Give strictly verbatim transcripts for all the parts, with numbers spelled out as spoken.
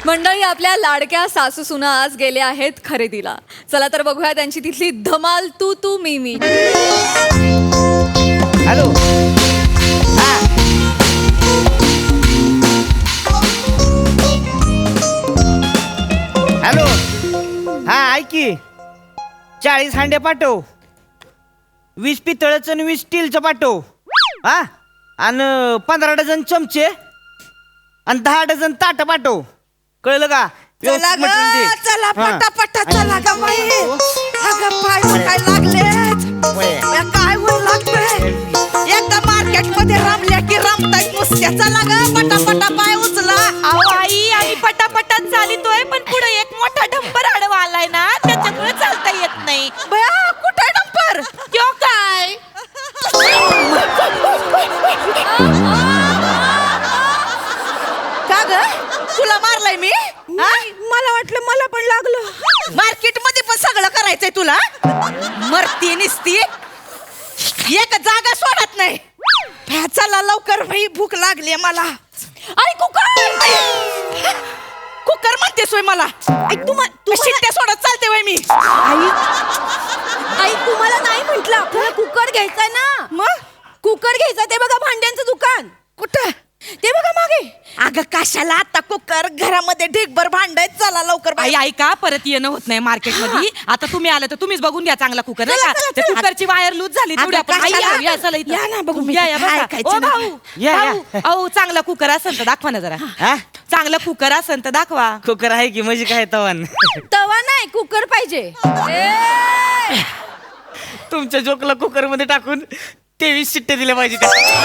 मंडळी, आपल्या लाडक्या सासू सुना आज गेल्या आहेत खरेदीला. चला तर बघूया त्यांची तिथली धमाल तू तू मी मी. हॅलो. हॅलो. हा ऐक की, चाळीस हांडे पाठव, वीस पितळचं आणि वीस स्टीलचं पाठव. हा, आणि पंधरा डझन चमचे आणि दहा डझन ताट पाठव. कळलं का? चला ग, चला पटापटा चला ग बाई. अगं पाय काय लागलेत, काय होईल लागतंय. एकदा मार्केट मध्ये रमल्या की रमतायत नुसत्या. चला ग पटापटा पाय उचला. अहो आई, आम्ही पटापटात चालितोय, पण पुढे एक मोठा डंपर आडवा आलाय ना, त्याच्यामुळे चालता येत नाही. बया कुठे डंपर? क्यों काय? का ग, तुला मारलाय मी? मला वाटलं मला पण लागलं. मार्केट मध्ये पण सगळं करायचंय तुला. मरती निसती, एक जागा सोडत नाही. चला लवकर भाई, भूक लागली मला. आई कुकर, कुकर म्हणतेस होय मला? तू शिट्ट्या सोडत चालते वय मी. आई आई तुम्हाला नाही म्हटलं आपल्याला कुकर घ्यायचा ना. मग कुकर घ्यायचा, ते बघा भांड्यांचं दुकान. कुठं? ते बघा मागे. अगं कशाला आता कुकर, घरामध्ये ढीगभर भांडायत. चला लवकर आई ऐका, परत येणं होत नाही मार्केट मध्ये. आता तुम्ही आलं तर तुम्हीच बघून घ्या चांगला कुकर, नाही चला, का? चला, त्या चला. कुकरची वायर लूज झाली तेवढी आपण. आई, कशाला? या, या, चला इथं. या ना बघू मी. या, या, काय बसा. ऐकायचं ओ ना. भाऊ, या, या. भाऊ, अहो चांगला कुकर असेल तर दाखवा ना जरा. हा, चांगला कुकर असेल तर दाखवा. कुकर आहे की, म्हणजे काय तवान. तवा नाही, कुकर पाहिजे. तुमच्या जोकला कुकर मध्ये टाकून तेवीस शिट्टे दिले पाहिजे.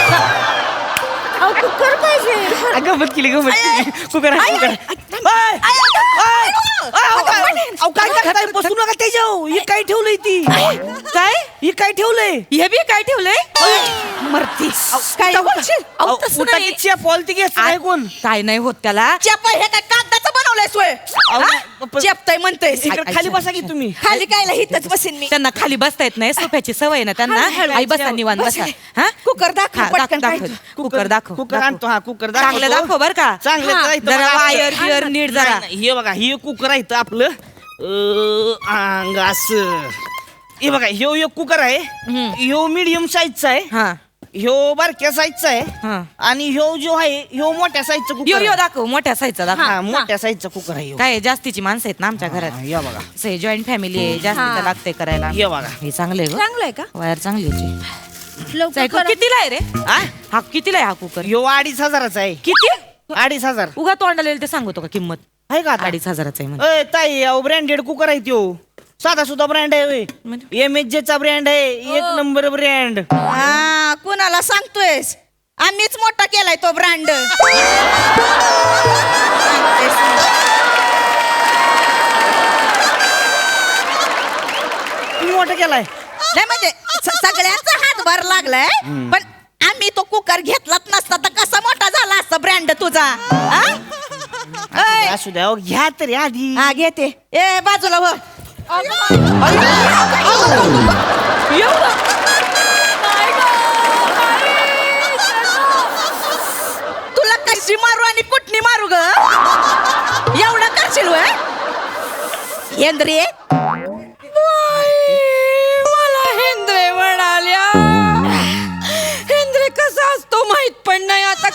कुकर पाहिजे. गमत केली, गमत केली. कुकर आहे, कुकर आहे. ओय, ओय, अहो, काय करताय? बसू नका त्याच्यावर. हे काय ठेवलंय ती? काय? हे काय ठेवलंय? हे बी काय ठेवलंय? मरती काय बोलशील? अहो, तसं नाही. पॉल ती घेत नाही कोण? काय नाही होत त्याला. चेप हे काय कागदाचं बनवलंय सोय? अहो, चेपताय म्हणतोय. इकडे खाली बसा की तुम्ही. खाली कायला हिथच बसीन मी. त्यांना खाली बसता येत नाही, सोफ्याची सवय ना त्यांना. आई बसा निवांत बसा. हा, कुकर दाखव हा, पटकन. दाखव, काय दाखव. कुकर दाखव. कुकर आणतो. हा, कुकर दाखव. चांगलं दाखव बर का. चांगलं हा, तर इथं जरा बघा. वायर बियर नीट जरा. नाही, नाही, हे बघा, हे कुकर आहे इथं आपलं. अं, अंग असं. हे बघा, ह्यो एक कुकर आहे. ह्यो मीडियम साईजचा आहे. हा, ह्यो बारक्या साईजचा आहे. हा. आणि ह्यो जो आहे ह्यो मोठ्या साईजचा यो कुकर यो आहे. दाखव, मोठ्या साईजचा दाखव. हा, मोठ्या साईजचा कुकर आहे ह्यो. काय जास्तीची माणसं आहेत ना आमच्या घरात. हा, हे बघा, जॉईंट फॅमिली आहे, जास्त लागते करायला. हे बघा. हे चांगलं आहे गं. चांगलं आहे का? वायर चांगली होती. लवकर कितीला आहे रे? हा? हा कितीला आहे हा कुकर? ह्यो अडीच हजाराचा आहे. किती? अडीच हजार उगा तोंडाला येईल ते सांगतो का किंमत? आहे का आता? अडीच हजाराचा आहे म्हणजे. अय ताई, अहो ब्रँडेड कुकर आहे त्यो. साधा सुद्धा ब्रँड आहे. म्हणजे? एम एच जे चा ब्रँड आहे. एक नंबर ब्रँड. हा, कुणाला सांगतोयस? आम्हीच मोठा केलाय तो ब्रँड. मोठा केलाय. नाही म्हणजे स- सगळ्यांचा हातभार लागलाय, पण आम्ही तो कुकर घेतलाच नसता तर कसा मोठा झाला असता ब्रँड तुझा. हा? ऐ, असू द्या, अहो, घ्या तरी आधी. हा घेते. ए बाजूला हो. तुला कशी मारू आणि कुठनी मारू ग? एवढं करशील वय हेंद्रे? मला हेंद्रे म्हणाल्या. हेंद्रे कसा असतो माहित पण नाही आता.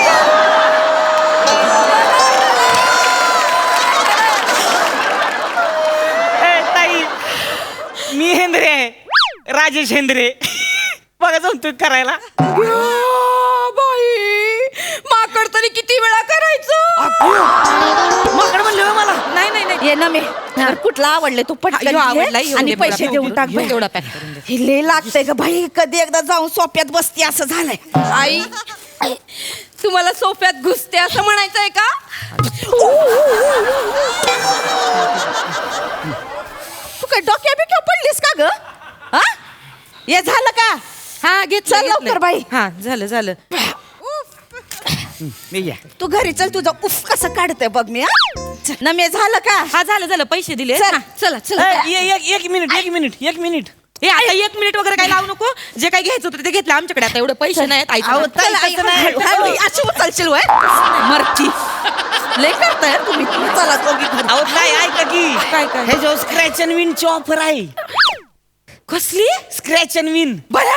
ए, ताई, मी हेंद्रे आहे. राजेश हेंद्रे. बघा जाऊन तू करायला. बाई, माकड तरी किती वेळा करायचं? माकड म्हणले होय मला. नाही नाही नाही. ये ना मी तर कुठला आवडले तू पटकन ह्यो घे आवडला, ह्यो आणि दे पैसे मला. देऊन टाक. ह्यो तेवढा पॅक करून दे. हे लय लागतंय ग भाई, कधी एकदा जाऊन सोप्यात बसती असं झालंय. आई, तुम्हाला सोफ्यात घुसते असं म्हणायचंय का? तू काय डोक्या बिक्या पडलीस का ग? हा, हे झालं का? हा घेत चल लवकर बाई. हा झालं झालं. मी घ्या. तू घरी चल, तुझं उफ कसं काढतंय बघ मी. हा? न मी झालं का? हा झालं झालं, पैसे दिले. चल. हा, चला चला. ए, ए, एक एक मिनिट एक मिनिट एक मिनिट हे आता एक मिनिट वगैरे काय लावू नको. जे काही घ्यायचं होतं ते घेतलं आमच्याकडे. आता एवढे पैसे नाहीत. अहो, आईचं चल, आई, हळू- हळू- अशी उचलशील वय मरती. लय करताय तुम्ही तुम्ही चला दोघी घरी. अहो काय ऐका की काय, काय? हे जो स्क्रॅच अँड विन ची ऑफर आहे. कसली स्क्रॅच अँड विन बया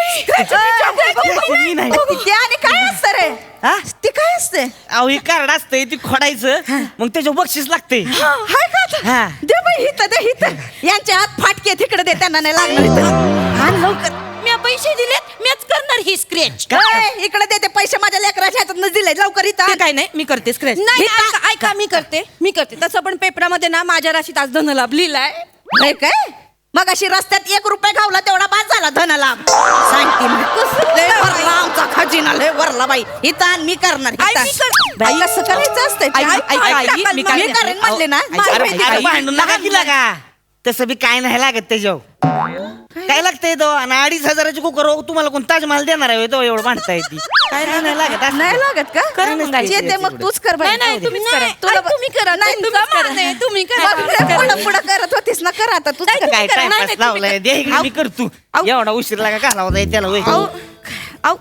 विन आहे. ते आणि काय असतं रे हा? ते काय असते अहो हे कार्ड असतंय ती खोडायचं मग त्याच्यावर बक्षीस लागते. हाय का आता? हा. दे बाई हिथं दे हिथं यांच्या हात फाटके तिकडे दे त्यांना नाही लागणार इथं. आण लवकर मी पैसे दिलेत मीच करणार ही स्क्रॅच काय? इकडे दे ते पैसे माझ्या लेकराच्या हातात दिले लवकर इथं आण. काय नाही मी करते स्क्रॅच नाही ऐका ऐका मी करते मी करते तसं पण पेपरामध्ये ना माझ्या राशीत आज धनलाभ लिहिलाय होय काय मग अशी रस्त्यात एक रुपये घावला तेवढा बाद झाला धनलाभ सांगते मी. लय वरला आमचा खजिना लय वरला बाई इथं आण, मी करणार आई, इथं. मी कर- बाई, कसं करायचं असतंय ते? आई, आई, आई, आई, आई, टाकाल मी मग. काय- मी करेन म्हणले ना अरे, माहिती अरे, आहे. भांडून नका की लागा तसं बी काय नाही लागत त्याच्यावर काय लागतंय तो आणि अडीच हजाराची कुकर तुम्हाला कोण ताजमहाल देणार आहे तो एवढं भांडता येते काय नाही नाही लागत असं. नाही लागत का कर मग आई. येते मग तूच कर बाई. नाही, नाही, तुम्हीच करा. तुला आई, तुम्ही करा. नाही तुमचा तुम्हीच करा. मान आहे, तुम्ही करा. मग पुढे- पुढे पुढे करत होतीस ना कर आता तूच कर. काय करा. टाइमपास नाही, नाही, लावलाय दे इकडे मी करतो एवढा उशीर लागा घालावा जाईल त्याला होय. आऊ.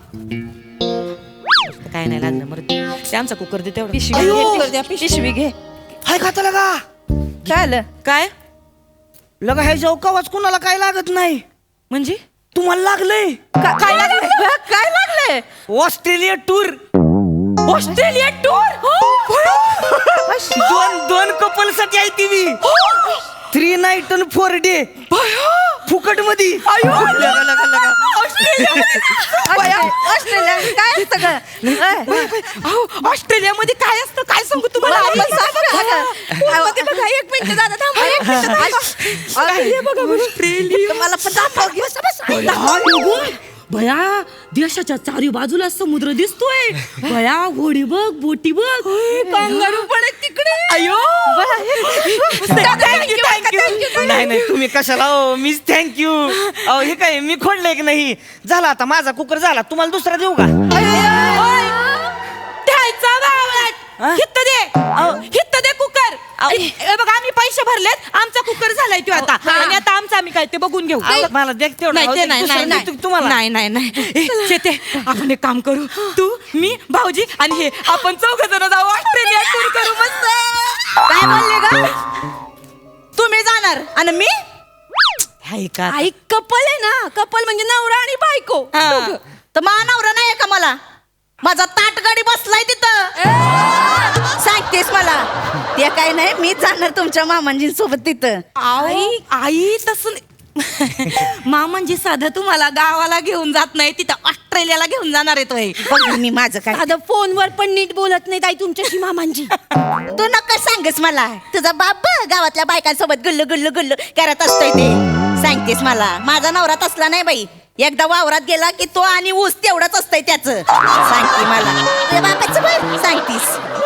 काय नाही लागलं मरते ते आमचा कुकर दे तेवढं पिशवी घे, द्या, पिशवी घे हाय खाता लगा काय आलं काय लगा ह्या जेव्हा कवाच कुणाला काय लागत नाही म्हणजे तुम्हाला लागलंय का- काय लागले काय लागले ऑस्ट्रेलिया टूर ऑस्ट्रेलिया टूर दोन दोन कपल साठी आहे ती मी थ्री नाईट आणि फोर डे फुकट मध्ये ऑस्ट्रेलिया काय सगळं ऑस्ट्रेलियामध्ये काय असतं काय सांगू तुम्हाला मला सांग ना. ते बघा एक मिनिट दादा थांबा एक मिनिट ऑस्ट्रेलिया बघा ऑस्ट्रेलिया मला पण दाखव घे. बस, बस. भया देशाच्या चारी बाजूला समुद्र दिसतोय भया होडी बघ बोटी बघ कांगारू पण आहेत तिकडे अयो नाही नाही तुम्ही कशाला हो मीच थँक्यू अहो हे काय मी खोडलंय की नाही झाला आता माझा कुकर झाला तुम्हाला दुसरा देऊ का द्यायचा बावळट हित्त दे हित्त दे कुकर ए बघ आम्ही पैसे भरलेत आमचा कुकर झालाय तो आता आणि आता आमचा आम्ही काय ते बघून घेऊ अहो, मला देख तेवढं नाही अहो, ते ते नाही दुसरं नाही देतो नाही तुम्हाला नाही नाही नाही ए, शेते आपण एक काम करू तू मी भाऊजी आणि हे आपण चौघ जण जाऊ ऑस्ट्रेलिया टूर करू मस्त काय बोलले ग तुम्ही जाणार आणि मी हाय का आई कपल आहे ना कपल म्हणजे नवरा आणि बायको हा. दोघं. तर मानवरा नाही का मला माझा ताटगाडी बसलाय तिथं सांगतेस मला ते काय नाही मी जाणार तुमच्या मामांजींसोबत तिथं आई आई तसं नाही. मामांजी साधं तुम्हाला गावाला घेऊन जात नाही तिथं ऑस्ट्रेलियाला घेऊन जाणार आहे तो हे. बघ मी माझं काय साधं फोनवर पण नीट बोलत नाही ताई तुमच्याशी मामांजी तू नका सांगस मला तुझा बाप गावातल्या बायकांसोबत गुल्लू गुल्लू गुल्लू करत असतोय ते सांगतेस मला माझा नवरा तसला नाही बाई एकदा वावरात गेला की तो आणि ऊस तेवढंच असतंय त्याच सांगते मला तुझ्या बापाचं बघ सांगतीस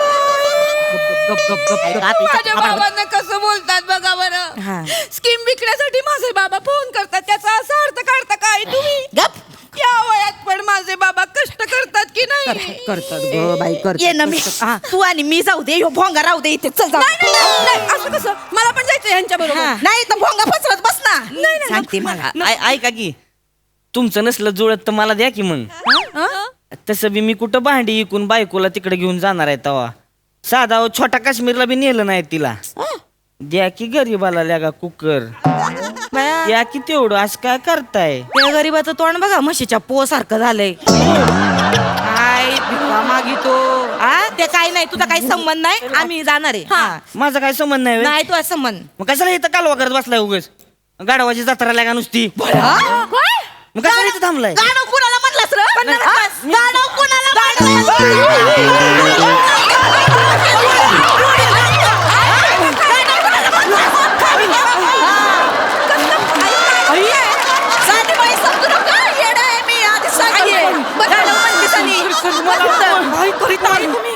माझ्या बाबांना कसं बोलतात बघा बरं स्कीम विकण्यासाठी माझे बाबा फोन करतात त्याचा असा अर्थ काढता काय तुम्ही गप या वयात पण माझे बाबा कष्ट करतात की नाही करतात ग बाई कर ये ना मी तू आणि मी जाऊ दे ह्यो भोंगा राहू दे इथे चल जाऊ नाही, नाही, नाही, असं कसं मला पण जायचं यांच्या बरोबर नाही तर भोंगा पसरत बस ना सांगते मला ऐ- ऐका की तुमचं नसलं जुळत तर मला द्या की मग तसं बी मी कुठं भांडी इकून बायकोला तिकडे घेऊन जाणार आहे तवा साधा हो, छोटा काश्मीरला बी नेलं नाही तिला द्या की गरीबाला लगा कुकर द्या की तेवढं असं काय करताय त्या गरीबाचं तोंड बघा म्हशीच्या पो सारखं झालंय काय भिका मागितो आ ते काय नाही तुझा काही संबंध नाही आम्ही जाणार आहे हा. माझा काय संबंध नाही व्हय? नाही तुझा संबंध मग कशाला इथं कालवा करत बसलाय उगच गाडवाची जत्रा लागा नुसती मग कशाला इथं थांबलाय गाणं कुणाला म्हणलास र हा? गाणं कुणाला साधी बाई समजू नका येडा आहे मी आधी सांगितले गाणं म्हणतेस आणि काय करीत आहे तुम्ही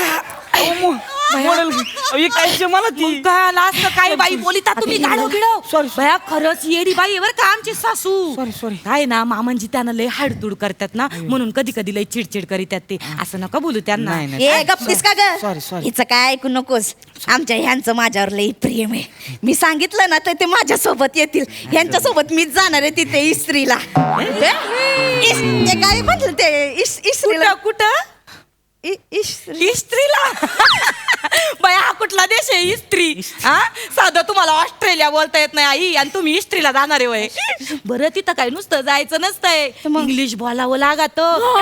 मॉडेल हे काय मला ती काय असं काय बाई बोलिता तुम्ही गाडव गिडव Sorry, भया खरंच येडी बाई आहे बरं का आमची सासू काय ना मामांजी त्यांना लय हाडतूड करतात ना म्हणून कधी कधी लय चिडचिड करीतात ते असं नका बोलू त्यांना नाही, नाही. ए गप्पीस का ग Sorry, sorry. हिचं काय ऐकू नकोस आमच्या ह्यांचं माझ्यावर लई प्रेम आहे मी सांगितलं ना तर ते माझ्या सोबत येतील ह्यांच्या सोबत मीच जाणार आहे तिथे इस्त्रीला इस- ते काय म्हटलं ते इस- इस्त्रीला कुठं इस्त्रीला बाया हा कुठला देश आहे इस्त्री हा साधं तुम्हाला ऑस्ट्रेलिया बोलता येत नाही आई आणि तुम्ही इस्त्रीला जाणार आहे वय बरं तिथं काय नुसतं जायचं नसतंय इंग्लिश बोलावं लागत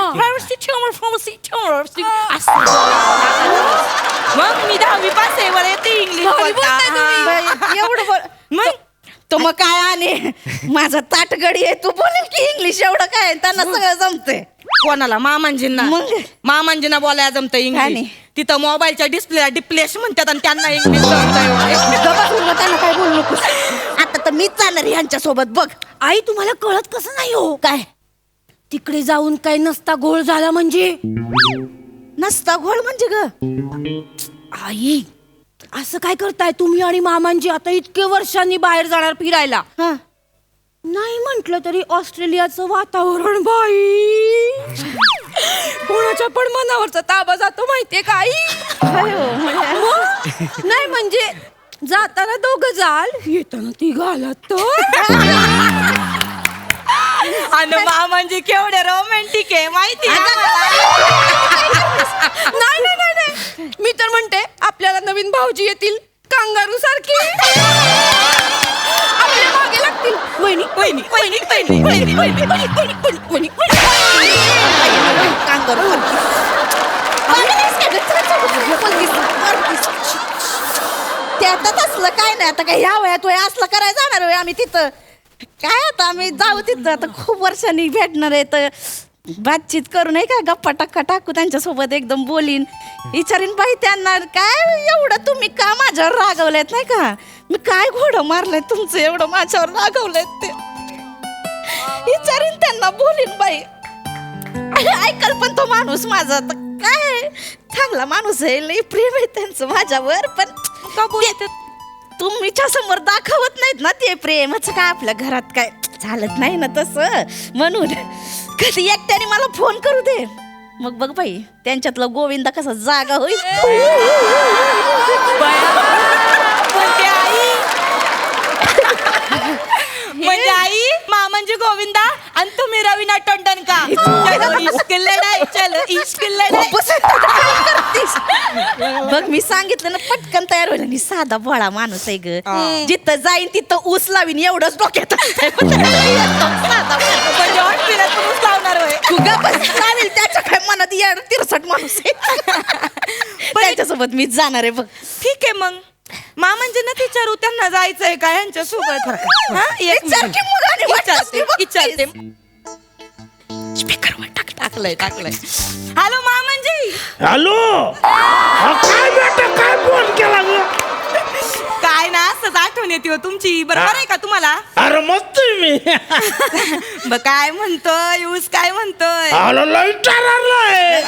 मग मी दहावी पास आहे बरं येते इंग्लिश बोलता एवढं बोल मग तो मग काय आणि माझा ताटगडी आहे तू बोलेल की इंग्लिश एवढं काय त्यांना सगळं जमते कोणाला मामांजींना मग? मामांजींना बोलायला जमतं काय इंग्लिश नाही? तिथं मोबाईलच्या डिस्प्लेला डिप्लेश म्हणतात आणि त्यांना इंग्लिश जमतंय त्यांना काय बोलू नको आता तर मीच जाणार ह्यांच्या सोबत बघ आई तुम्हाला कळत कसं नाही हो काय तिकडे जाऊन काही नसता गोळ झाला म्हणजे नसता घोळ म्हणजे ग आई असं काय करताय तुम्ही आणि मामांजी आता इतके वर्षांनी बाहेर जाणार फिरायला हा नाही म्हंटल तरी ऑस्ट्रेलियाचं वातावरण बाई कोणाच्या पण मनावरचा ताबा जातो माहितीये का आई मग? नाही म्हणजे जाताना दोघं जाल येताना ती घालत आणि मामांजी केवढे रोमॅन्टिक आहे माहिती नाही नाही नाही नाही मी तर म्हणते आपल्याला नवीन भाऊजी येतील कांगारू सारखी आपल्या मागे लागतील वहिनी वहिनी वहिनी वहिनी वहिनी वहिनी वहिनी वहिनी वहिनी त्यातच असलं काय नाही आता काय ह्या वयात वय असलं करायला जाणार होय आम्ही तिथं काय आता आम्ही जाऊ तिथं आता खूप वर्षांनी भेटणार आहे तर बातचीत करू नये काय गप्पा टक्का टाकू त्यांच्यासोबत एकदम बोलीन विचारीन बाई त्यांना काय एवढं तुम्ही का माझ्यावर रागवलेत नाही का मी काय घोडं मारलंय तुमचं एवढं माझ्यावर रागवलेत ते विचारीन त्यांना बोलीन बाई ऐकल पण तो माणूस माझा तर काय चांगला माणूस आहे लई प्रेम आहे त्यांचं माझ्यावर पण का बोलतात तुमच्या समोर दाखवत नाहीत ना ते प्रेमाचं काय आपल्या घरात काय चालत नाही ना तसं म्हणून कधी एकट्याने मला फोन करू दे मग बघ बाई त्यांच्यातला गोविंदा कसा जागा होईल म्हणजे आई म्हणजे आई मामांजी गोविंदा आणि तुम्ही रवीना टंडन का चलो इश्क लढाई चलो इश्क लढाई बघ मी सांगितलं ना पटकन तयार होईल आणि साधा भोळा माणूस आहे ग जिथं जाईन तिथं ऊस लावीन एवढंच डोक्यात साधा म्हणजे ऑस्ट्रेलियात पण ऊस लावणार होय तू गप्प बस, चालेल त्याच्या काय मनात येड तिरसट माणूस आहे त्याच्यासोबत मीच जाणार आहे बघ ठीक आहे मग मामांजी ना विचारू त्यांना जायचंय का यांच्या सोबत हा एक विचार की मुलाने वाटलं विचारते बघ विचारते स्पीकरवर टाक टाकलंय टाकलंय हॅलो मामांजी हॅलो हा, काय बेटा काय फोन केला ग काय ना असंच आठवण येते हो तुमची बरोबर आहे का तुम्हाला अरे मस्त आहे मी ब काय म्हणतोय ऊस काय म्हणतोय आलो लई टररलाय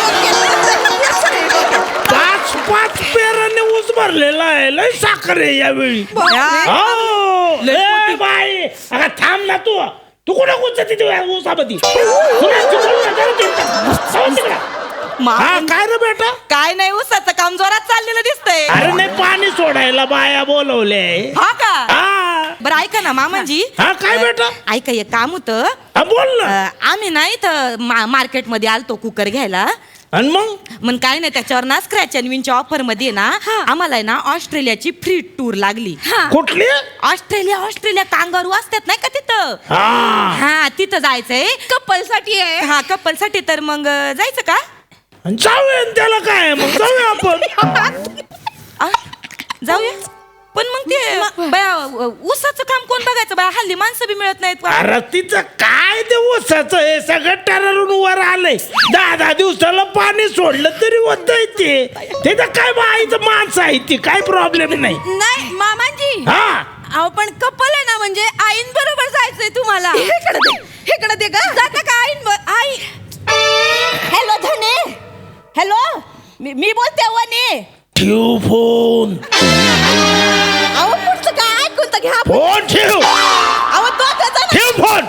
पाच पाच पेराने ऊस भरलेला आहे लई साखर आहे यावेळी हो ए बाई अगं थांब ना तू तू कुठं कुठं तिथे ऊसामध्ये कुणाची बोल ना, जरा तिकडं. जाऊ तिकडं. हा काय रे बेटा काय नाही ऊसाचं काम जोरात चाललेलं दिसतंय अरे नाही पाणी सोडायला बाया बोलवले हा का हा बरं ऐका ना मामांजी हा काय बेटा ऐका एक काम होतं हा बोल ना अं, आम्ही ना इथं मा- मार्केटमध्ये आलतो कुकर घ्यायला आणि मग मग काय नाही त्याच्यावर ना स्क्रॅच अँड विनच्या ऑफर मध्ये ना आम्हाला आहे ना ऑस्ट्रेलियाची फ्री टूर लागली कुठली ऑस्ट्रेलिया ऑस्ट्रेलिया कांगारू असतात नाही का तिथं हा हा तिथं जायचंय कपल साठी आहे हा कपल साठी तर मग अं, जायचं का आणि जाऊया न त्याला काय मग जाऊया आपण आ, जाऊया पण मग ते बया, ऊसाचं काम कोण बघायचं बाया हल्ली माणसं बी मिळत नाहीत बा. अरे तिचं काय ते ऊसाचं हे सगळं टररून वर आलंय दहा दहा दिवसाला पाणी सोडलं तरी होतंय ते तिथं काय बाईचं माणसं आहे ती काय प्रॉब्लेम नाही नाही मामांजी हा अहो पण कपल आहे ना म्हणजे आईन बरोबर जायचंय तुम्हाला इकडे दे इकडे दे ग जाता का आईन ब- आई हॅलो धने हॅलो मी मी बोलते वने ठेव फोन अहो पुढचं काय ऐकून तर घ्या फोन ठेव अहो दोघं जण ठेव फोन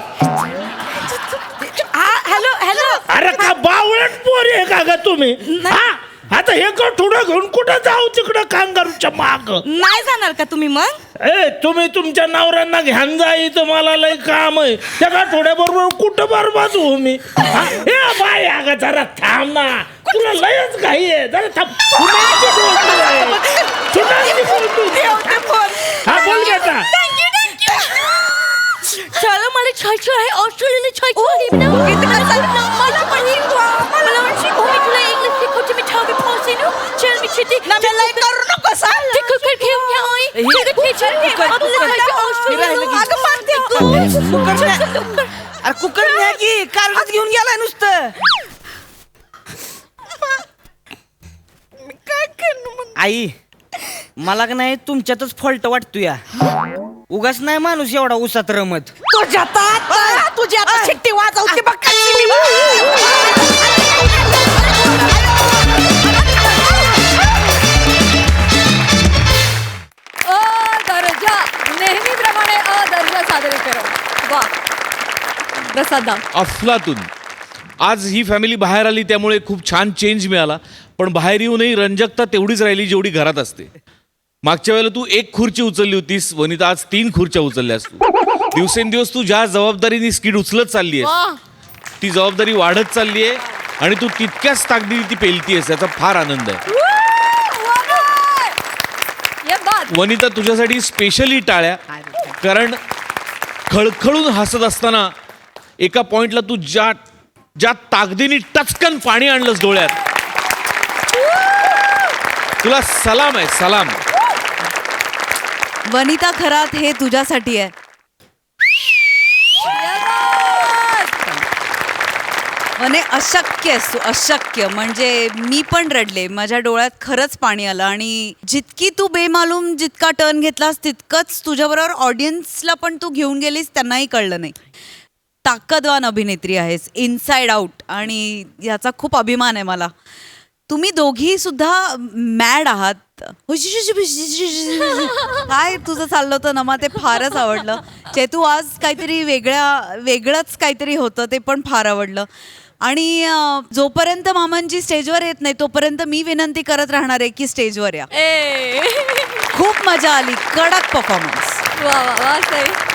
हा हॅलो हॅलो अरे का बावळट पोरी आहे का ग तुम्ही हा आता हे थोडं घेऊन कुठं जाऊ तिकडं कांगारूच्या माग सारखं नाही जाणार का तुम्ही मग? ए तुम्ही तुमच्या नवऱ्यांना घ्यान जा इथं मला लय काम आहे त्या थोड्याबरोबर कुठं बरबाद हो मी हा? ए बाय अगं जरा थांब ना तुला लयच घाई आहे जरा थांब सुनांची बोलतोय. सुनांची बोलतोय. हा बोल बेटा चला मला छायचं आहे ऑस्ट्रेलियाला छायचं आहे ना. मला पण मला वाटतं मी तुला इंग्लिश शिकवते मी ठावी पोहोचे ना. चल मी चिठी लय करू नको सांग ते कुकर घेऊन या आई. सगळं टीचर घे. आपल्याला जायचं ऑस्ट्रेलियाला. अगं मारते कुकर न्या- अरे कुकर न्या की कारच घेऊन गेलाय नुसतं आई मला का नाही तुमच्यातच फॉल्ट वाटतो या उगाच नाही माणूस एवढा उसात रमत तुझ्या आता तुझी आता शिट्टी वाजवते बघ कशी मी. अदर्जा नेहमीप्रमाणे अदर्जा सादरीकरण वा प्रसादा अफलातून आज ही फॅमिली बाहेर आली त्यामुळे खूप छान चेंज मिळाला पण बाहेर येऊनही रंजकता तेवढीच राहिली जेवढी घरात असते. मागच्या वेळेला तू एक खुर्ची उचलली होतीस वनिता आज तीन खुर्च्या उचलल्यास तू दिवसेंदिवस तू ज्या जबाबदारीने स्किड उचलत चालली आहेस ती जबाबदारी वाढत चालली आहे आणि तू तितक्याच ताकदीने ती पेलतीयस याचा फार आनंद आहे. ये बात वनिता तुझ्यासाठी स्पेशली टाळ्या कारण खळखळून हसत असताना एका पॉइंटला तू ज्या ज्या ताकदीने टचकन पाणी आणलंस डोळ्यात तुला सलाम आहे सलाम. वनिता खरात हे तुझ्यासाठी आहे. म्हणे अशक्य आहेस तू अशक्य म्हणजे मी पण रडले माझ्या डोळ्यात खरंच पाणी आलं आणि जितकी तू बेमालूम जितका टर्न घेतलास तितकंच तुझ्याबरोबर ऑडियन्सला पण तू घेऊन गेलीस त्यांनाही कळलं नाही. ताकदवान अभिनेत्री आहेस इनसाइड आउट आणि याचा खूप अभिमान आहे मला. तुम्ही दोघी सुद्धा मॅड आहात. काय तुझं चाललं होतं नमा ते फारच आवडलं. चेतू आज काहीतरी वेगळ्या वेगळंच काहीतरी होतं ते पण फार आवडलं. आणि अं, जोपर्यंत मामांजी स्टेजवर येत नाही तोपर्यंत मी विनंती करत राहणार आहे की स्टेजवर या. ए खूप मजा आली कडक परफॉर्मन्स. वा वा वा सई